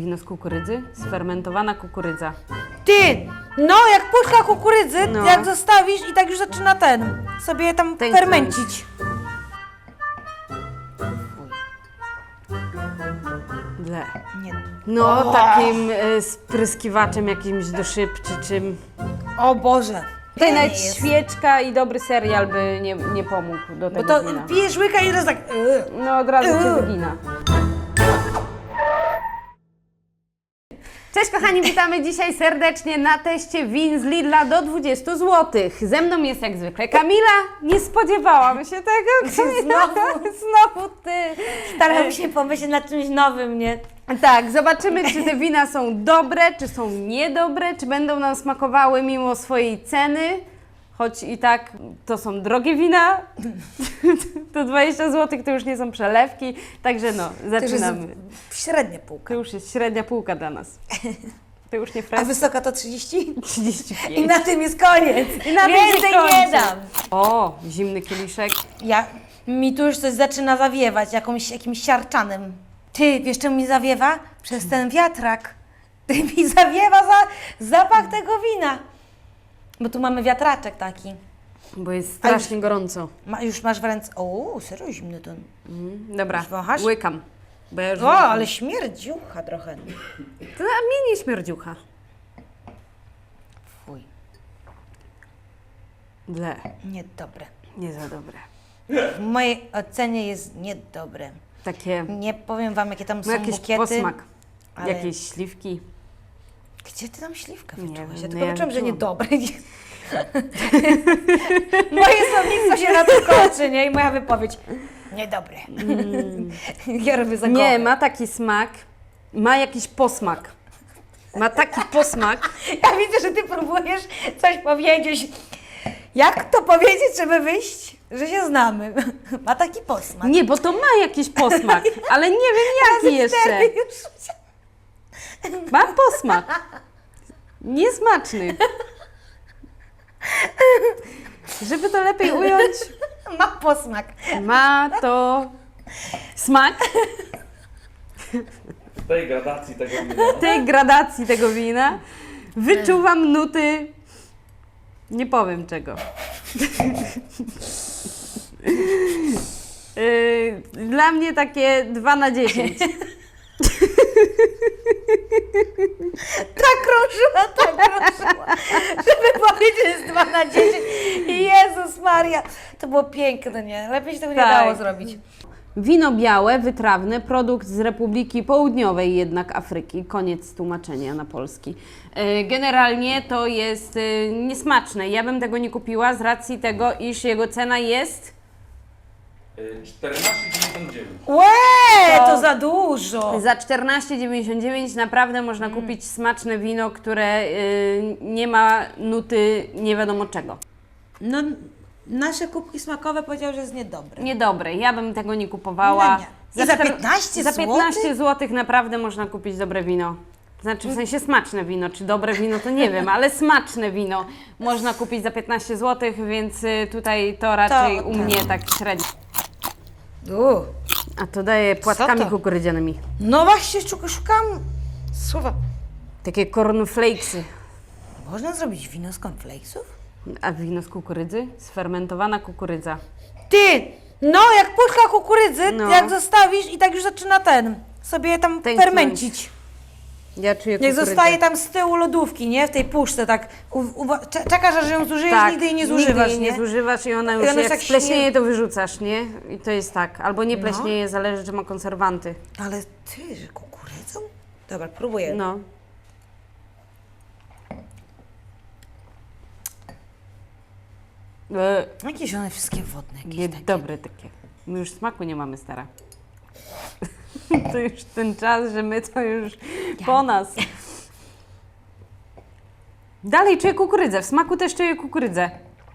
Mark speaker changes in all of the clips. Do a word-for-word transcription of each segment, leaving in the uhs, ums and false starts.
Speaker 1: wino z kukurydzy? Sfermentowana kukurydza.
Speaker 2: Ty! No, jak puszka kukurydzy,
Speaker 1: No.
Speaker 2: jak zostawisz i tak już zaczyna ten, sobie tam
Speaker 1: Tańcząć.
Speaker 2: fermencić.
Speaker 1: Ble.
Speaker 2: Nie.
Speaker 1: No, takim y, spryskiwaczem jakimś do szyb czy czym.
Speaker 2: O Boże.
Speaker 1: Tutaj
Speaker 2: Nie
Speaker 1: nawet
Speaker 2: jest.
Speaker 1: świeczka i dobry serial by nie, nie pomógł do
Speaker 2: Bo
Speaker 1: tego
Speaker 2: to
Speaker 1: wina.
Speaker 2: pijesz łyka i teraz tak... Yy.
Speaker 1: No od razu cię
Speaker 2: Yy.
Speaker 1: wygina. Cześć kochani, witamy dzisiaj serdecznie na teście win z Lidla do dwudziestu złotych. Ze mną jest jak zwykle Kamila. Nie spodziewałam się tego.
Speaker 2: Znowu.
Speaker 1: Znowu ty.
Speaker 2: Staram się pomyśleć nad czymś nowym, nie?
Speaker 1: Tak, zobaczymy, czy te wina są dobre, czy są niedobre, czy będą nam smakowały mimo swojej ceny. Choć i tak to są drogie wina, to dwadzieścia złotych to już nie są przelewki, także no, zaczynamy.
Speaker 2: Średnia półka.
Speaker 1: To już jest średnia półka dla nas. To już nie
Speaker 2: A
Speaker 1: fresh.
Speaker 2: wysoka to trzydzieści?
Speaker 1: trzydzieści
Speaker 2: I
Speaker 1: pięć.
Speaker 2: na tym jest koniec.
Speaker 1: I na tym
Speaker 2: Więcej
Speaker 1: się kończy.
Speaker 2: nie dam.
Speaker 1: O, zimny kieliszek.
Speaker 2: Ja, mi tu już coś zaczyna zawiewać, jakąś, jakimś siarczanem. Ty, wiesz czemu mi zawiewa? Przez ten wiatrak. Ty mi zawiewa za, zapach tego wina. Bo tu mamy wiatraczek taki.
Speaker 1: Bo jest strasznie gorąco.
Speaker 2: Ma, już masz w ręce... O, serio zimny ten.
Speaker 1: Mhm. Dobra,
Speaker 2: Już wąchasz?
Speaker 1: łykam. Bo ja już
Speaker 2: O, ale śmierdziucha trochę.
Speaker 1: To a mnie nie śmierdziucha.
Speaker 2: Fuj,
Speaker 1: Ble,
Speaker 2: niedobre.
Speaker 1: nie za dobre.
Speaker 2: W mojej ocenie jest niedobre.
Speaker 1: Takie,
Speaker 2: Nie powiem wam, jakie tam
Speaker 1: no
Speaker 2: są
Speaker 1: jakiś
Speaker 2: bukiety.
Speaker 1: posmak.
Speaker 2: ale-
Speaker 1: Jakieś śliwki.
Speaker 2: Gdzie ty tam śliwkę
Speaker 1: Nie
Speaker 2: wyczułaś?
Speaker 1: wiem,
Speaker 2: Ja
Speaker 1: no
Speaker 2: tylko
Speaker 1: ja
Speaker 2: wyczułam, że
Speaker 1: wyczułam.
Speaker 2: niedobre. Moje słownictwo się na tym kończy, nie? I moja wypowiedź. Niedobre. Ja robię za
Speaker 1: Nie, ma taki smak, ma jakiś posmak. Ma taki posmak.
Speaker 2: Ja widzę, że ty próbujesz coś powiedzieć. Jak to powiedzieć, żeby wyjść, że się znamy? Ma taki posmak.
Speaker 1: Nie, bo to ma jakiś posmak, ale nie wiem jaki jeszcze.
Speaker 2: Cztery już.
Speaker 1: Ma posmak. Niesmaczny. Żeby to lepiej ująć,
Speaker 2: Ma posmak.
Speaker 1: ma to smak
Speaker 3: W tej gradacji tego wina.
Speaker 1: tej gradacji tego wina. Wyczuwam nuty, nie powiem czego. Yy, Dla mnie takie dwa na dziesięć.
Speaker 2: Tak krążyła, tak krążyła. Żeby powiedzieć, że jest dwa na dziesięć. Jezus Maria. To było piękne, nie? Lepiej się tego nie
Speaker 1: Tak.
Speaker 2: dało zrobić.
Speaker 1: Wino białe, wytrawne, produkt z Republiki Południowej jednak Afryki. Koniec tłumaczenia na polski. Yy, Generalnie to jest yy, niesmaczne. Ja bym tego nie kupiła z racji tego, iż jego cena jest...
Speaker 3: czternaście dziewięćdziesiąt dziewięć.
Speaker 2: Łe,
Speaker 1: To-
Speaker 2: to za dużo.
Speaker 1: Za czternaście dziewięćdziesiąt dziewięć naprawdę można kupić smaczne wino, które yy, nie ma nuty nie wiadomo czego.
Speaker 2: No, nasze kubki smakowe powiedziały, że jest niedobre.
Speaker 1: Niedobre, ja bym tego nie kupowała.
Speaker 2: No nie. I za
Speaker 1: czter-
Speaker 2: piętnaście
Speaker 1: Za piętnaście
Speaker 2: złotych?
Speaker 1: złotych naprawdę można kupić dobre wino. Znaczy w sensie smaczne wino, czy dobre wino to nie wiem, ale smaczne wino można kupić za piętnaście złotych, więc y, tutaj to raczej u
Speaker 2: tak.
Speaker 1: mnie tak średnio.
Speaker 2: U.
Speaker 1: A to daje płatkami
Speaker 2: to?
Speaker 1: kukurydzianymi.
Speaker 2: No właśnie, szuk- szukam słowa.
Speaker 1: Takie cornflakesy.
Speaker 2: Można zrobić wino z cornflakesów?
Speaker 1: A wino z kukurydzy? Sfermentowana kukurydza.
Speaker 2: Ty! No, jak puszka kukurydzy,
Speaker 1: No.
Speaker 2: jak zostawisz i tak już zaczyna ten, sobie tam
Speaker 1: Tętnąć.
Speaker 2: fermencić.
Speaker 1: Ja czuję
Speaker 2: Jak
Speaker 1: kukurydzę.
Speaker 2: zostaje tam z tyłu lodówki, nie? W tej puszce, tak. U, u, cze- czekasz, aż ją zużyjesz,
Speaker 1: Tak,
Speaker 2: nigdy jej nie zużywasz,
Speaker 1: nigdy jej nie? zużywasz i ona już
Speaker 2: ona jest
Speaker 1: jak
Speaker 2: tak
Speaker 1: spleśnieje,
Speaker 2: śmier-
Speaker 1: to wyrzucasz, nie? I to jest tak. Albo nie
Speaker 2: No.
Speaker 1: pleśnieje, zależy czy ma konserwanty.
Speaker 2: Ale ty, że kukurydzą? Dobra, próbuję.
Speaker 1: No. E,
Speaker 2: Jakieś one wszystkie wodne, jakieś
Speaker 1: nie,
Speaker 2: takie.
Speaker 1: dobre takie. My już smaku nie mamy, stara. To już ten czas, że my to już po nas. Dalej czuję kukurydzę. W smaku też czuję kukurydzę.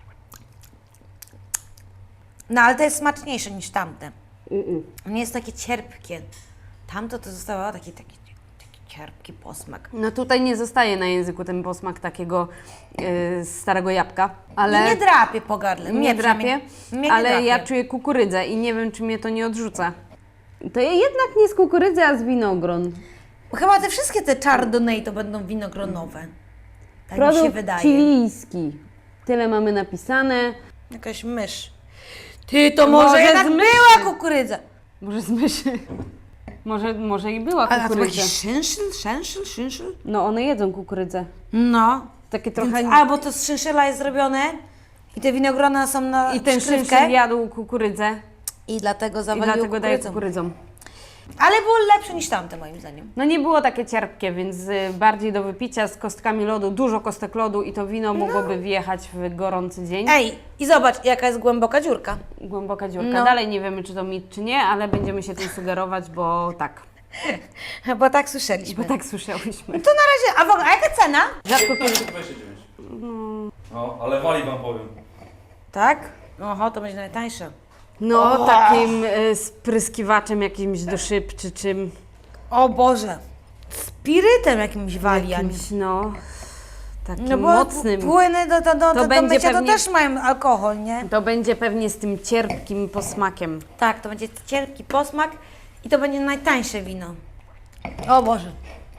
Speaker 2: No, ale to jest smaczniejsze niż tamte. Nie jest takie cierpkie. Tamto to zostało taki, taki, taki cierpki posmak.
Speaker 1: No tutaj nie zostaje na języku ten posmak takiego yy, starego jabłka, ale...
Speaker 2: Ale... Nie drapie po gardle.
Speaker 1: Nie
Speaker 2: Mnie
Speaker 1: drapie,
Speaker 2: przynajmniej- mnie nie
Speaker 1: ale
Speaker 2: drapie.
Speaker 1: ja czuję kukurydzę i nie wiem, czy mnie to nie odrzuca. To ja jednak nie z kukurydzy, a z winogron.
Speaker 2: Chyba te wszystkie te Chardonnay to będą winogronowe. Tak mi się
Speaker 1: Produkt
Speaker 2: wydaje.
Speaker 1: chilijski. Tyle mamy napisane.
Speaker 2: Jakaś mysz. Ty, to może,
Speaker 1: Może
Speaker 2: jednak
Speaker 1: z myszy.
Speaker 2: była kukurydza.
Speaker 1: Może z myszy. Może, może i była
Speaker 2: A to
Speaker 1: kukurydza.
Speaker 2: jakiś szynszyl, szenszyl, szynszyl?
Speaker 1: No one jedzą kukurydzę.
Speaker 2: No.
Speaker 1: Takie trochę...
Speaker 2: Więc albo to z szynszyla jest zrobione i te winogrona są na
Speaker 1: I ten
Speaker 2: szkrywkę
Speaker 1: szynszyl jadł kukurydzę
Speaker 2: i dlatego
Speaker 1: i
Speaker 2: zawalił
Speaker 1: dlatego daje
Speaker 2: kukurydzą.
Speaker 1: kukurydzą.
Speaker 2: Ale było lepsze niż tamte moim zdaniem.
Speaker 1: No nie było takie cierpkie, więc y, bardziej do wypicia z kostkami lodu, dużo kostek lodu i to wino mogłoby wjechać w gorący dzień.
Speaker 2: Ej, i zobacz jaka jest głęboka dziurka.
Speaker 1: Głęboka dziurka.
Speaker 2: No.
Speaker 1: Dalej nie wiemy, czy to mit, czy nie, ale będziemy się tym sugerować, bo tak.
Speaker 2: Bo tak słyszeliśmy.
Speaker 1: Bo tak słyszałyśmy.
Speaker 2: To na razie, a w ogóle, a jaka cena?
Speaker 1: Rzadko kiedy...
Speaker 3: piętnaście dwadzieścia dziewięć. No, ale wali wam powiem.
Speaker 2: Tak? Oho, to będzie najtańsze.
Speaker 1: No, takim y, spryskiwaczem jakimś do szyb, czy czym.
Speaker 2: O Boże, spirytem jakimś wali, a nie-
Speaker 1: Jakimś, no, takim
Speaker 2: No bo
Speaker 1: mocnym.
Speaker 2: płyny do, do, do,
Speaker 1: To
Speaker 2: do, do
Speaker 1: będzie
Speaker 2: mycia
Speaker 1: pewnie-
Speaker 2: to też mają alkohol, nie?
Speaker 1: To będzie pewnie z tym cierpkim posmakiem.
Speaker 2: Tak, to będzie cierpki posmak i to będzie najtańsze wino. O Boże.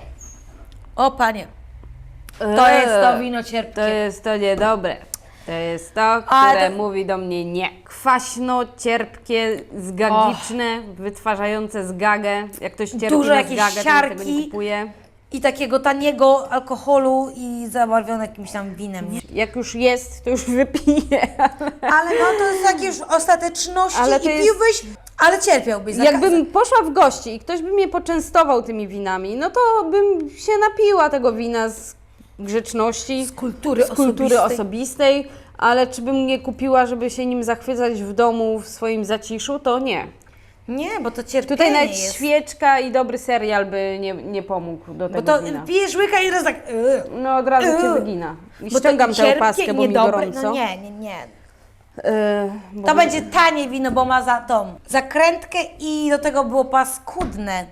Speaker 2: O Panie, to jest to wino cierpkie.
Speaker 1: To jest to niedobre. To jest to,
Speaker 2: Ale
Speaker 1: które
Speaker 2: to-
Speaker 1: mówi do mnie nie. Kwaśno, cierpkie, zgagiczne, wytwarzające zgagę. Jak ktoś cierpi
Speaker 2: Dużo
Speaker 1: na
Speaker 2: jakiejś
Speaker 1: zgagę, to tego
Speaker 2: siarki.
Speaker 1: nie kupuje.
Speaker 2: I takiego taniego alkoholu i zabarwione jakimś tam winem, nie?
Speaker 1: Jak już jest, to już wypije.
Speaker 2: Ale no to jest jakieś już ostateczności
Speaker 1: Ale
Speaker 2: i
Speaker 1: to jest-
Speaker 2: piłbyś, ale cierpiałbyś. za
Speaker 1: Jakbym poszła w gości i ktoś by mnie poczęstował tymi winami, no to bym się napiła tego wina z grzeczności,
Speaker 2: Z kultury
Speaker 1: z kultury
Speaker 2: osobistej.
Speaker 1: osobistej, ale czy bym nie kupiła, żeby się nim zachwycać w domu, w swoim zaciszu, to nie.
Speaker 2: Nie, bo to cierpienie
Speaker 1: Tutaj nawet
Speaker 2: jest.
Speaker 1: świeczka i dobry serial by nie, nie pomógł do
Speaker 2: Bo
Speaker 1: tego
Speaker 2: to
Speaker 1: wina.
Speaker 2: pijesz łyka i teraz tak... Yy.
Speaker 1: No od razu cię
Speaker 2: Yy.
Speaker 1: wygina. I
Speaker 2: Bo
Speaker 1: ściągam
Speaker 2: to
Speaker 1: tę
Speaker 2: cierpkie
Speaker 1: opaskę,
Speaker 2: i
Speaker 1: bo mi
Speaker 2: niedobre.
Speaker 1: gorąco.
Speaker 2: No nie, nie, nie.
Speaker 1: Yy, bo
Speaker 2: To
Speaker 1: mi-
Speaker 2: będzie tanie wino, bo ma za tą zakrętkę i do tego było paskudne.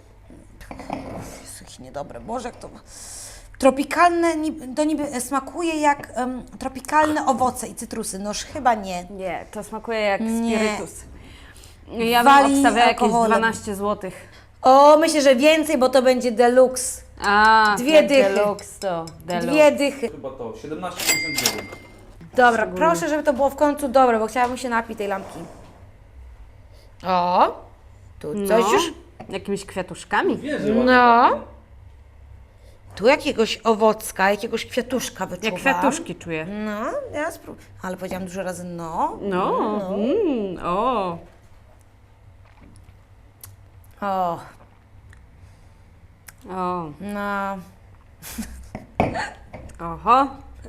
Speaker 2: Jezu, jakie niedobre. Boże, jak to... Tropikalne, ni- to niby smakuje jak em, tropikalne owoce i cytrusy. Noż chyba nie.
Speaker 1: Nie, to smakuje jak
Speaker 2: Nie.
Speaker 1: spirytus. Ja bym
Speaker 2: Wali
Speaker 1: obstawiała jakieś
Speaker 2: alkoholem.
Speaker 1: dwanaście złotych.
Speaker 2: O, myślę, że więcej, bo to będzie deluxe.
Speaker 1: A,
Speaker 2: Dwie
Speaker 1: jak
Speaker 2: dychy.
Speaker 1: Deluxe to deluxe.
Speaker 2: Dwie dychy.
Speaker 3: Chyba to, siedemnaście pięćdziesiąt dziewięć.
Speaker 2: Dobra, proszę, żeby to było w końcu dobre, bo chciałabym się napić tej lampki. O, tu coś
Speaker 1: No,
Speaker 2: już.
Speaker 1: jakimiś kwiatuszkami.
Speaker 3: Wierzę ładnie.
Speaker 2: No. Tu jakiegoś owocka, jakiegoś kwiatuszka wyczuwam.
Speaker 1: Jak kwiatuszki czuję.
Speaker 2: No, ja spróbuję. Ale powiedziałam dużo razy no.
Speaker 1: No, mm, o.
Speaker 2: O,
Speaker 1: O,
Speaker 2: no.
Speaker 1: oho.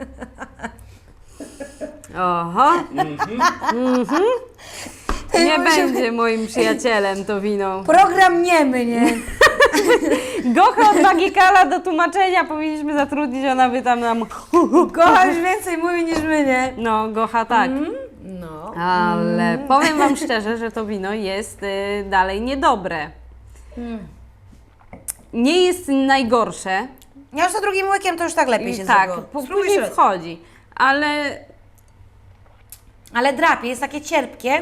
Speaker 1: Oho. Mhm. Nie będzie moim przyjacielem to wino.
Speaker 2: Program niemy, nie?
Speaker 1: Gocha od Magikala do tłumaczenia powinniśmy zatrudnić, ona by tam nam...
Speaker 2: Gocha już więcej mówi niż my, nie?
Speaker 1: No, Gocha tak.
Speaker 2: No.
Speaker 1: Ale powiem Wam szczerze, że to wino jest y, dalej niedobre. Nie jest najgorsze.
Speaker 2: Ja już za drugim łykiem to już tak lepiej się
Speaker 1: tak,
Speaker 2: zrobiło.
Speaker 1: po-
Speaker 2: Spróbuj
Speaker 1: później
Speaker 2: sobie.
Speaker 1: wchodzi. Ale
Speaker 2: Ale drapie, jest takie cierpkie.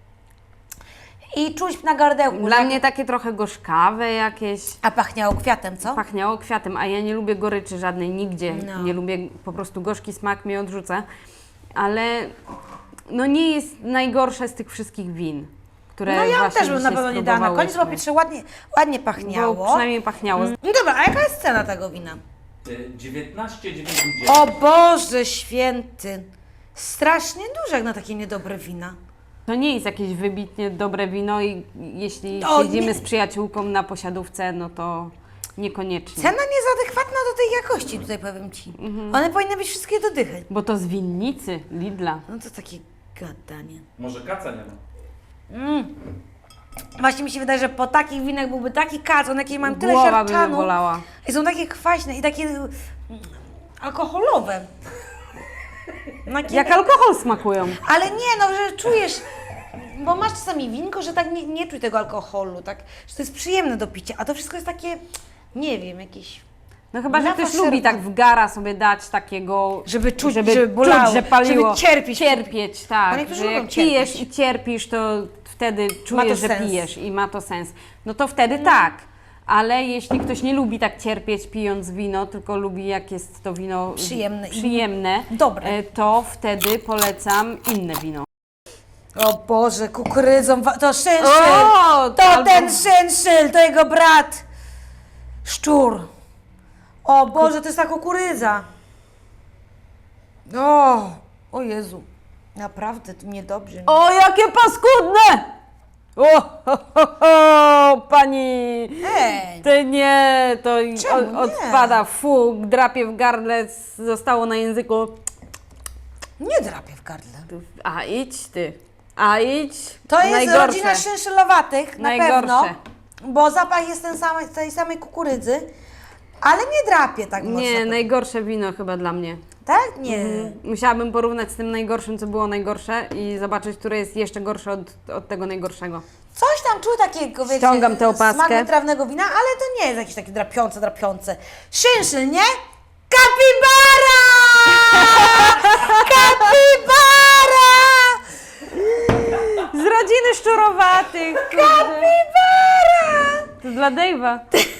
Speaker 2: I czuć na gardełku.
Speaker 1: dla
Speaker 2: że-
Speaker 1: mnie takie trochę gorzkawe jakieś.
Speaker 2: A pachniało kwiatem, co?
Speaker 1: Pachniało kwiatem, a ja nie lubię goryczy żadnej nigdzie.
Speaker 2: No.
Speaker 1: Nie lubię, po prostu gorzki smak mnie odrzuca. Ale no nie jest najgorsze z tych wszystkich win, które
Speaker 2: No ja
Speaker 1: właśnie
Speaker 2: też bym na
Speaker 1: dzisiaj
Speaker 2: pewno nie dała na koniec, bo
Speaker 1: spróbowałyśmy.
Speaker 2: pierwsze ładnie, ładnie
Speaker 1: Bo
Speaker 2: pachniało.
Speaker 1: przynajmniej pachniało.
Speaker 2: No dobra, a jaka jest cena tego wina?
Speaker 3: Y, dziewiętnaście dziewięćdziesiąt dziewięć.
Speaker 2: O Boże święty! Strasznie duże jak na takie niedobre wina.
Speaker 1: To nie jest jakieś wybitnie dobre wino i jeśli
Speaker 2: O,
Speaker 1: siedzimy
Speaker 2: nie.
Speaker 1: z przyjaciółką na posiadówce, no to niekoniecznie.
Speaker 2: Cena nie jest adekwatna do tej jakości, tutaj powiem Ci. One powinny być wszystkie do dychy.
Speaker 1: Bo to z winnicy Lidla.
Speaker 2: No to takie gadanie.
Speaker 3: Może kaca nie ma.
Speaker 2: Właśnie mi się wydaje, że po takich winach byłby taki kac, one jakieś mają tyle
Speaker 1: Głowa by mnie
Speaker 2: siarczanu
Speaker 1: bolała.
Speaker 2: i są takie kwaśne i takie mm, alkoholowe. No, takie-
Speaker 1: Jak alkohol smakują.
Speaker 2: Ale nie, no, że czujesz, bo masz czasami winko, że tak nie, nie czuj tego alkoholu, tak, że to jest przyjemne do picia, a to wszystko jest takie, nie wiem, jakieś...
Speaker 1: No chyba, że ktoś
Speaker 2: Nafaszerowane.
Speaker 1: lubi tak w gara sobie dać takiego...
Speaker 2: Żeby czuć,
Speaker 1: żeby,
Speaker 2: żeby bolało,
Speaker 1: czuć, że paliło.
Speaker 2: żeby cierpieć.
Speaker 1: Cierpieć,
Speaker 2: Bo
Speaker 1: tak.
Speaker 2: niektórzy
Speaker 1: Że
Speaker 2: lubią
Speaker 1: jak pijesz
Speaker 2: cierpieć.
Speaker 1: i cierpisz, to wtedy
Speaker 2: Ma to
Speaker 1: czujesz, że
Speaker 2: sens.
Speaker 1: pijesz i ma to sens. No to wtedy tak. ale jeśli ktoś nie lubi tak cierpieć pijąc wino, tylko lubi jak jest to wino
Speaker 2: Przyjemne i
Speaker 1: przyjemne
Speaker 2: dobre.
Speaker 1: e, to wtedy polecam inne wino.
Speaker 2: O Boże, kukurydzą, wa- to szynszyl,
Speaker 1: O,
Speaker 2: to
Speaker 1: albo-
Speaker 2: ten szynszyl, to jego brat, szczur. O Boże, to jest ta kukurydza. O, o Jezu, naprawdę to niedobrze.
Speaker 1: O, jakie paskudne! O, ho, ho, ho, pani!
Speaker 2: Ej,
Speaker 1: To nie, to
Speaker 2: Czemu
Speaker 1: o,
Speaker 2: nie?
Speaker 1: odpada, fu, drapie w gardle, zostało na języku.
Speaker 2: nie drapię w gardle.
Speaker 1: A idź ty, a idź.
Speaker 2: To jest
Speaker 1: Najgorsze.
Speaker 2: rodzina szynszylowatych, na
Speaker 1: Najgorsze.
Speaker 2: pewno, bo zapach jest ten sam, tej samej kukurydzy, ale nie drapie tak mocno.
Speaker 1: Nie, najgorsze wino chyba dla mnie.
Speaker 2: Tak? Nie.
Speaker 1: Musiałabym porównać z tym najgorszym, co było najgorsze i zobaczyć, które jest jeszcze gorsze od, od tego najgorszego.
Speaker 2: Coś tam czuł takiego, wiecie,
Speaker 1: Ściągam tę opaskę.
Speaker 2: smak wytrawnego wina, ale to nie jest jakieś takie drapiące, drapiące. Szynszyl, nie? Kapibara! Kapibara!
Speaker 1: Z rodziny szczurowatych!
Speaker 2: Kapibara!
Speaker 1: To dla Dave'a.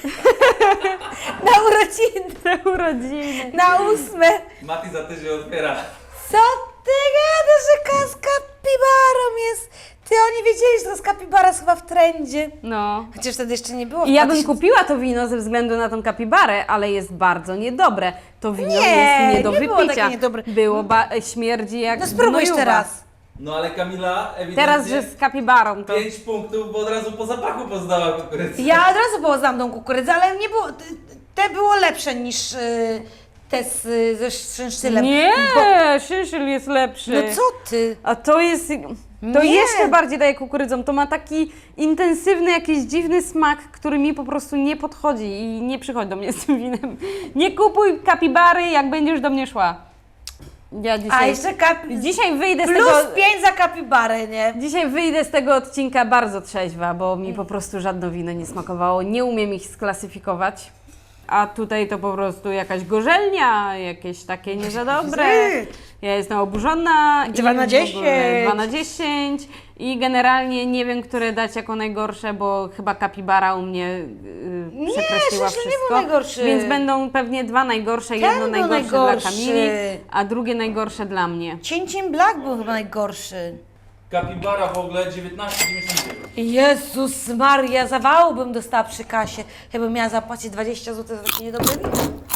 Speaker 2: Na urodziny,
Speaker 1: Na urodziny.
Speaker 2: na ósme.
Speaker 3: Mati za tydzień otwiera.
Speaker 2: Co ty gadasz, że ka- z kapibarą jest? Ty, oni wiedzieli, że to z kapibara jest chyba w trendzie.
Speaker 1: No.
Speaker 2: Chociaż wtedy jeszcze nie było. w
Speaker 1: I ja bym
Speaker 2: dwa tysiące
Speaker 1: kupiła to wino ze względu na tą kapibarę, ale jest bardzo niedobre. To wino
Speaker 2: Nie,
Speaker 1: jest nie do
Speaker 2: nie było
Speaker 1: wypicia.
Speaker 2: takie niedobre.
Speaker 1: Było ba- śmierdzi jak
Speaker 2: No spróbuj jeszcze
Speaker 1: gnojuwa.
Speaker 2: raz.
Speaker 3: No ale Kamila ewidentnie
Speaker 1: Teraz, że z kapibarą to...
Speaker 3: pięć punktów, bo od razu po zapachu poznała kukurydzę.
Speaker 2: Ja od razu poznałam tą kukurydzę, ale nie było, te- te było lepsze niż y, te z, ze szynszylem.
Speaker 1: Nie,
Speaker 2: Bo,
Speaker 1: szyszyl jest lepszy.
Speaker 2: no co ty?
Speaker 1: A to jest... To
Speaker 2: Nie.
Speaker 1: jeszcze bardziej daje kukurydzą. To ma taki intensywny, jakiś dziwny smak, który mi po prostu nie podchodzi i nie przychodź do mnie z tym winem. Nie kupuj kapibary, jak będziesz do mnie szła. Ja
Speaker 2: A
Speaker 1: dzisiaj...
Speaker 2: jeszcze kapi...
Speaker 1: Dzisiaj wyjdę z
Speaker 2: Plus
Speaker 1: tego...
Speaker 2: pięć za kapibarę, nie?
Speaker 1: Dzisiaj wyjdę z tego odcinka bardzo trzeźwa, bo mi po prostu żadne wino nie smakowało. Nie umiem ich sklasyfikować. A tutaj to po prostu jakaś gorzelnia, jakieś takie nie za dobre. Ja jestem oburzona. i
Speaker 2: Dwa na
Speaker 1: w ogóle
Speaker 2: dziesięć.
Speaker 1: Dwa na dziesięć. I generalnie nie wiem, które dać jako najgorsze, bo chyba kapibara u mnie yy,
Speaker 2: Nie,
Speaker 1: przekreśliła
Speaker 2: Szyszyn nie
Speaker 1: wszystko.
Speaker 2: był najgorszy.
Speaker 1: Więc będą pewnie dwa najgorsze.
Speaker 2: Ten
Speaker 1: Jedno
Speaker 2: był
Speaker 1: najgorsze,
Speaker 2: najgorszy.
Speaker 1: dla Kamili, a drugie najgorsze dla mnie.
Speaker 2: Cięciem Black był chyba najgorszy.
Speaker 3: Kapibara w ogóle dziewiętnaście dziewięćdziesiąt dziewięć.
Speaker 2: Jezus Maria, zawału bym dostała przy kasie. Ja bym miała zapłacić dwadzieścia złotych za takie niedobre wino.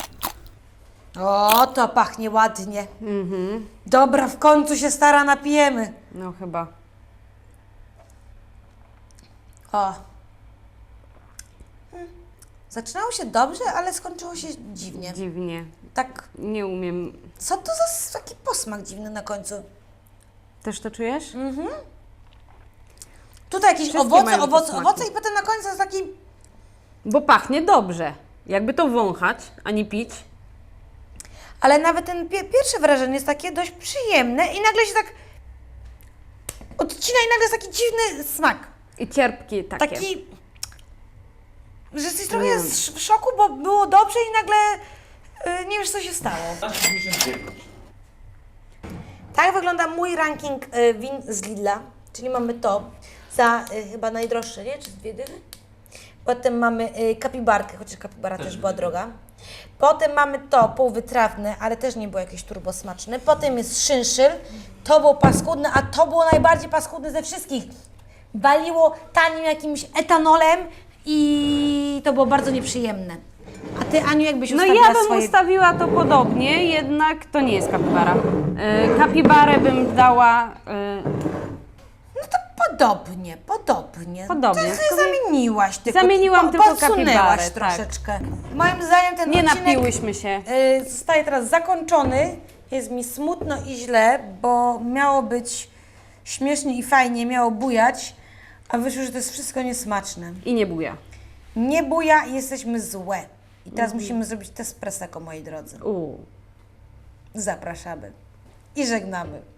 Speaker 2: O, to pachnie ładnie.
Speaker 1: Mhm.
Speaker 2: Dobra, w końcu się stara napijemy.
Speaker 1: No chyba.
Speaker 2: O. Hmm. Zaczynało się dobrze, ale skończyło się dziwnie.
Speaker 1: Dziwnie.
Speaker 2: Tak,
Speaker 1: Nie umiem.
Speaker 2: co to za s- taki posmak dziwny na końcu?
Speaker 1: Też to czujesz?
Speaker 2: Tutaj jakieś
Speaker 1: Wszystkie
Speaker 2: owoce,
Speaker 1: mają
Speaker 2: owoce,
Speaker 1: posmaki.
Speaker 2: owoce i potem na końcu jest taki...
Speaker 1: Bo pachnie dobrze. Jakby to wąchać, a nie pić.
Speaker 2: Ale nawet ten pie- pierwsze wrażenie jest takie dość przyjemne i nagle się tak odcina i nagle jest taki dziwny smak.
Speaker 1: I cierpki takie.
Speaker 2: Taki, że jesteś trochę
Speaker 1: Nie.
Speaker 2: sz- w szoku, bo było dobrze i nagle y, nie wiesz, co się stało.
Speaker 3: dziewiętnaście dziewięćdziesiąt dziewięć.
Speaker 2: Tak wygląda mój ranking y, win z Lidla, czyli mamy to za y, chyba najdroższe, nie? Czy z dwie dychy? Potem mamy y, kapibarkę, chociaż kapibara też była droga. Potem mamy to półwytrawne, ale też nie było jakieś turbo smaczne. Potem jest szynszyl, to było paskudne, a to było najbardziej paskudne ze wszystkich. Waliło tanim jakimś etanolem i to było bardzo nieprzyjemne. A ty, Aniu, jakbyś
Speaker 1: No
Speaker 2: ustawiła
Speaker 1: ja bym
Speaker 2: swoje...
Speaker 1: ustawiła to podobnie, jednak to nie jest kapibara. Yy, kapibarę bym dała... Yy,
Speaker 2: Podobnie, podobnie.
Speaker 1: Podobnie,
Speaker 2: Ty
Speaker 1: tylko
Speaker 2: sobie zamieniłaś tylko.
Speaker 1: Zamieniłam tylko
Speaker 2: podsunęłaś
Speaker 1: kapibarę, tak.
Speaker 2: troszeczkę. Moim zdaniem ten
Speaker 1: nie
Speaker 2: odcinek
Speaker 1: napiłyśmy się.
Speaker 2: y, zostaje teraz zakończony. Jest mi smutno i źle, bo miało być śmiesznie i fajnie, miało bujać, a wyszło, że to jest wszystko niesmaczne.
Speaker 1: I nie buja.
Speaker 2: Nie buja i jesteśmy złe. I teraz
Speaker 1: Mhm.
Speaker 2: musimy zrobić test preseko, moi drodzy.
Speaker 1: Uuu.
Speaker 2: Zapraszamy. I żegnamy.